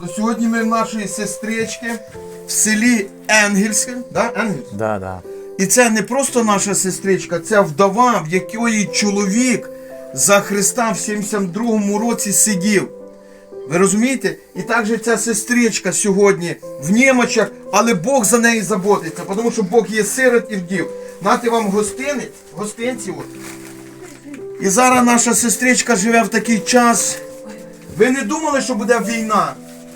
то сьогодні ми в нашої сестрички в селі Енгельське. Да? Енгельське? Да, да. І це не просто наша сестричка, це вдова, в якої чоловік за Христа в 72-му році сидів. Ви розумієте? І також ця сестричка сьогодні в немочах, але Бог за неї заботиться, тому що Бог є сирот і вдів. Нате вам гостинці. От. І зараз наша сестричка живе в такий час. Ви не думали, що буде війна?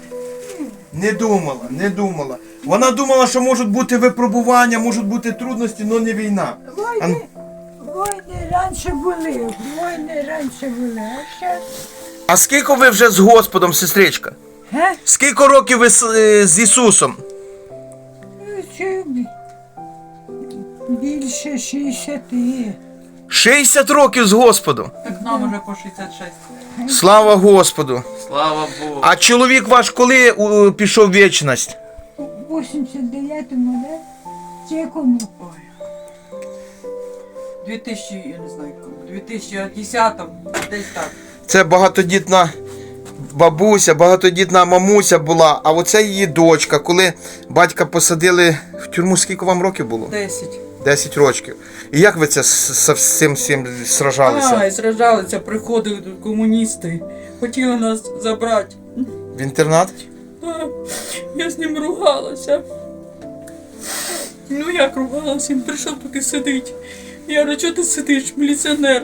Не думала. Вона думала, що можуть бути випробування, можуть бути трудності, але не війна. Війни раніше були, а зараз... А скільки ви вже з Господом, сестричка? Ге? Скільки років ви з Ісусом? Це більше 60. 60 років з Господом. Так нам уже по 66. Слава Господу. Слава Богу. А чоловік ваш коли пішов в вічність? У 89-му, да? Чи якому? Ой. 2000, я не знаю, 2010-му, десь так. Це багатодітна бабуся, багатодітна мамуся була, а оце її дочка. Коли батька посадили в тюрму, скільки вам років було? 10. 10 років. І як ви це з цим сражалися? І сражалися, приходили тут комуністи, хотіли нас забрати. В інтернат? Я з ним ругалася. Ну як ругалася, він прийшов тут і сидить. Я говорю, чого ти сидиш, міліціонер?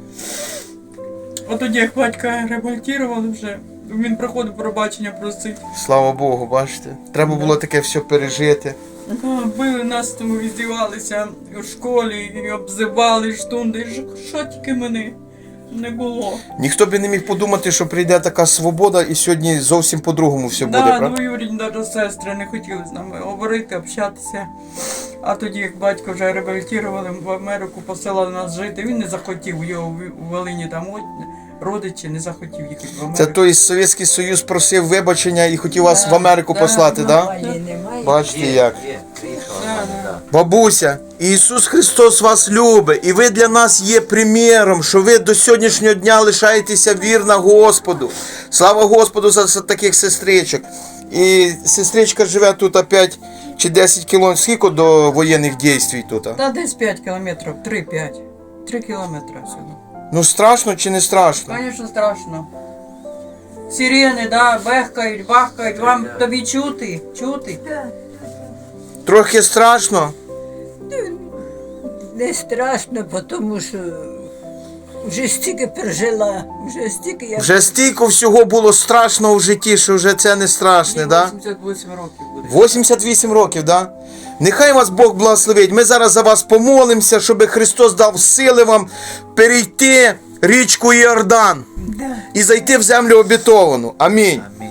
А тоді, як батька реабілітували вже, він приходив пробачення просить. Слава Богу, бачите? Треба було таке все пережити. Били нас, тому здівалися у школі, і обзивали штунди. Що тільки мене не було. Ніхто би не міг подумати, що прийде така свобода і сьогодні зовсім по-другому все буде, Да, правда? двоюрідні навіть сестри не хотіли з нами говорити, общатися. А тоді, як батько вже реабілітували, в Америку посилали нас жити, він не захотів, його у Волині там родичі не захотів їхати в Америку. Це той Совєтський Союз просив вибачення і хотів вас в Америку послати, так? Да? Немає. Бачите як? Да. Бабуся, Ісус Христос вас любить, і ви для нас є приміром, що ви до сьогоднішнього дня лишаєтеся вірна Господу. Слава Господу за таких сестричок. І сестричка живе тут 5 чи 10 кілометрів. Скільки до воєнних дій тут? Та десь 5 кілометрів, 3-5. 3 кілометри сюди. Ну страшно чи не страшно? Звісно, страшно. Сирени, да, бехкають, бахкають, вам тобі чути? Чути? Трохи страшно. Не страшно, тому що вже стільки пережила, Вже стільки всього було страшного в житті, що вже це не страшне, так? 88 років буде. 88 років, да? Нехай вас Бог благословить. Ми зараз за вас помолимося, щоб Христос дав сили вам перейти річку Йордан Да. і зайти в землю обітовану. Амінь.